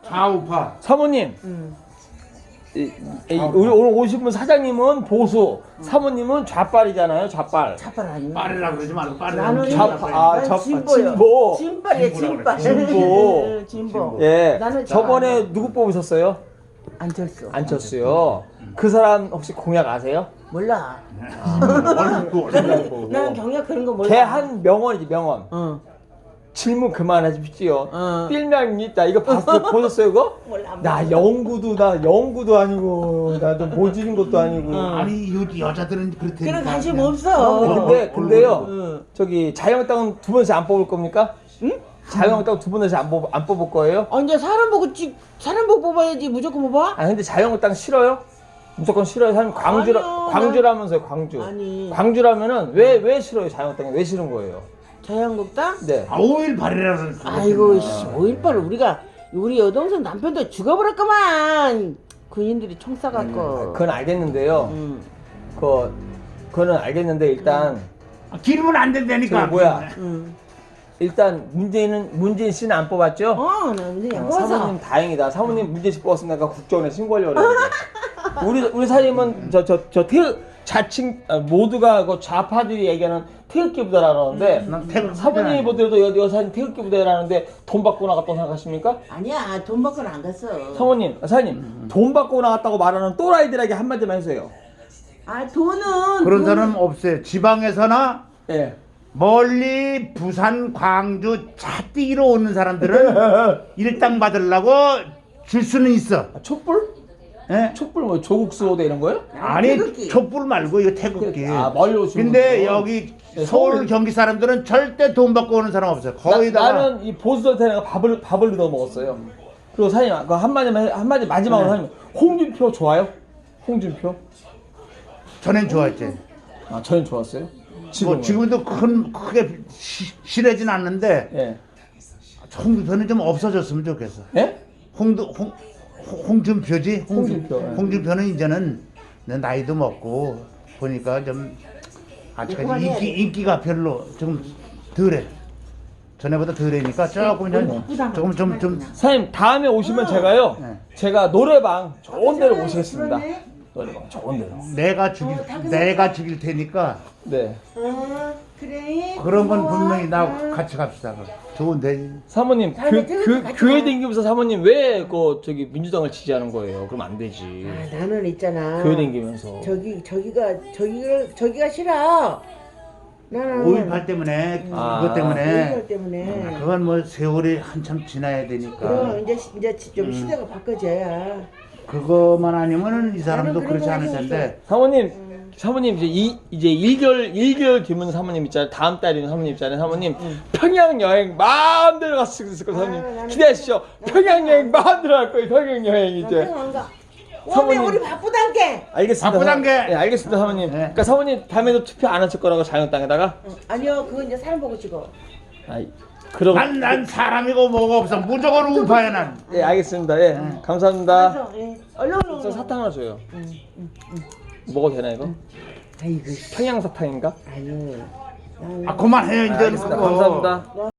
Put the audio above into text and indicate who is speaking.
Speaker 1: 좌우파.
Speaker 2: 사모님. 우리 오늘 오신 분 사장님은 보수, 사모님은 좌빨이잖아요. 좌빨.
Speaker 3: 차팔 아니야.
Speaker 1: 빠르라고 그러지 말고
Speaker 3: 나는
Speaker 2: 좌파,
Speaker 3: 진보요.
Speaker 2: 진보.
Speaker 3: 진빨이야, 진빨.
Speaker 2: 진보.
Speaker 3: 진보.
Speaker 2: 예.
Speaker 3: 나는
Speaker 2: 저번에 누구 뽑으셨어요?
Speaker 3: 안철수.
Speaker 2: 안철수요. 그 사람 혹시 공약 아세요?
Speaker 3: 몰라.
Speaker 1: 얼굴.
Speaker 3: 나는 경력 그런 거 몰라.
Speaker 2: 걔 한 명언이지 명언.
Speaker 3: 응.
Speaker 2: 질문 그만하십시오.
Speaker 3: 어.
Speaker 2: 필명이 있다. 이거 보셨어요 그거?
Speaker 3: 몰라.
Speaker 2: 나 영구도 아니고 나도 모지는 것도 아니고.
Speaker 1: 아니 여자들은 그렇대.
Speaker 3: 그런 관심 없어.
Speaker 2: 근데요.
Speaker 3: 응.
Speaker 2: 저기 자유한국당은 두 번씩 안 뽑을 겁니까? 응? 자유한국당 두 번씩 안 뽑을 거예요?
Speaker 3: 이제 사람 보고 뽑아야지. 무조건 뽑아?
Speaker 2: 아 근데 자유한국당 싫어요? 무조건 싫어요. 사람
Speaker 3: 아니요,
Speaker 2: 광주라면서요. 광주.
Speaker 3: 아니.
Speaker 2: 광주라면은 왜 싫어요? 자유한국당이 왜 싫은 거예요?
Speaker 3: 자유한국당?
Speaker 2: 네.
Speaker 1: 5.18이라는.
Speaker 3: 아이고, 5.18을 우리 여동생 남편도 죽어버렸구만. 군인들이 총 쏴갖고.
Speaker 2: 그건 알겠는데요. 그거는 알겠는데 일단
Speaker 1: 기르면 안 된다니까.
Speaker 2: 저기 뭐야?
Speaker 3: 응.
Speaker 2: 일단 문재인 씨는 안 뽑았죠?
Speaker 3: 나 문제 안 뽑았어.
Speaker 2: 사모님 다행이다. 사모님 문재인 씨 뽑았으면 내가 국정원에 신고하려고 그랬는데. 우리 사장님은 자칭 모두가 그 좌파들이 얘기하는 태극기 부대라는데 사모님이 보더라도 여사님 태극기 부대라는데 돈 받고 나갔다고 생각하십니까?
Speaker 3: 아니야, 돈 받고는 안 갔어.
Speaker 2: 사장님 돈 받고 나갔다고 말하는 또라이들에게 한마디만 해주세요.
Speaker 3: 돈은.
Speaker 1: 그런 사람은 없어요. 지방에서나
Speaker 2: 예.
Speaker 1: 멀리 부산, 광주 차뛰기로 오는 사람들은 일당 받으려고 줄 수는 있어.
Speaker 2: 촛불?
Speaker 1: 예?
Speaker 2: 촛불 뭐 조국 수호대 이런 거요?
Speaker 1: 아니
Speaker 3: 태극기.
Speaker 1: 촛불 말고 이거 태극기.
Speaker 2: 멀리 오시는
Speaker 1: 근데
Speaker 2: 분들은.
Speaker 1: 여기
Speaker 2: 네,
Speaker 1: 서울 경기 사람들은 절대 돈 받고 오는 사람 없어요. 거의 다.
Speaker 2: 나는 이 보수한테는 밥을 넣어 먹었어요. 그리고 사장님 그 한마디 마지막으로 사장님 홍준표 좋아요? 홍준표?
Speaker 1: 전엔 좋았지.
Speaker 2: 저는 좋았어요.
Speaker 1: 지금도 크게 실하진 않는데
Speaker 2: 예.
Speaker 1: 홍준표는 좀 없어졌으면 좋겠어.
Speaker 2: 예?
Speaker 1: 홍준표지?
Speaker 2: 홍준표, 예.
Speaker 1: 홍준표는 이제는 내 나이도 먹고 보니까 좀 아직까지 인기가 별로 좀 덜해. 전에보다 덜해니까 조금 좀
Speaker 2: 사장님 다음에 오시면 제가요. 제가 노래방 좋은 데로 모시겠습니다. 노래방 좋은 데로.
Speaker 1: 내가 죽일 테니까
Speaker 2: 네.
Speaker 3: 그래.
Speaker 1: 그런 건 분명히 나 같이 갑시다. 좋은데.
Speaker 2: 사모님
Speaker 3: 다음에 태극기 같이
Speaker 2: 교회
Speaker 3: 가.
Speaker 2: 댕기면서 사모님 왜 저기 민주당을 지지하는 거예요? 그럼 안 되지.
Speaker 3: 나는 있잖아.
Speaker 2: 교회 댕기면서.
Speaker 3: 저기가 싫어. 나는
Speaker 1: 5.18 때문에 그것 때문에
Speaker 3: 5.18 때문에.
Speaker 1: 그건 뭐 세월이 한참 지나야 되니까
Speaker 3: 그럼 이제 좀 시대가 바꿔져야.
Speaker 1: 그거만 아니면은 이 사람도
Speaker 3: 나는 그런
Speaker 1: 그렇지 않을
Speaker 3: 거
Speaker 1: 텐데.
Speaker 2: 사모님 이제 1개월 뒤면 사모님 있잖아요. 다음 달이면 사모님 있잖아요. 사모님 평양 여행 마음대로 갔을 거예요. 사모님 기대하시죠. 평양 여행 마음대로 갈 거예요. 평양 여행 이제.
Speaker 3: 사모님 우리 바쁘단게.
Speaker 2: 알겠습니다.
Speaker 1: 바쁘단 게.
Speaker 2: 네, 알겠습니다, 사모님. 그러니까 사모님 다음에도 투표 안 하실 거라고 자유한국당에다가.
Speaker 3: 아니요, 그건 이제 사람 보고 찍어.
Speaker 2: 그럼.
Speaker 1: 난 사람이고 뭐가 없어. 무조건 우파야 난.
Speaker 2: 예, 알겠습니다. 예, 감사합니다.
Speaker 3: 그래서, 얼른.
Speaker 2: 저 사탕 하나 줘요. 먹어도 되나 이거?
Speaker 3: 아이고.
Speaker 2: 평양 사탕인가?
Speaker 3: 아유.
Speaker 1: 그만해요 이제.
Speaker 2: 알겠습니다. 감사합니다.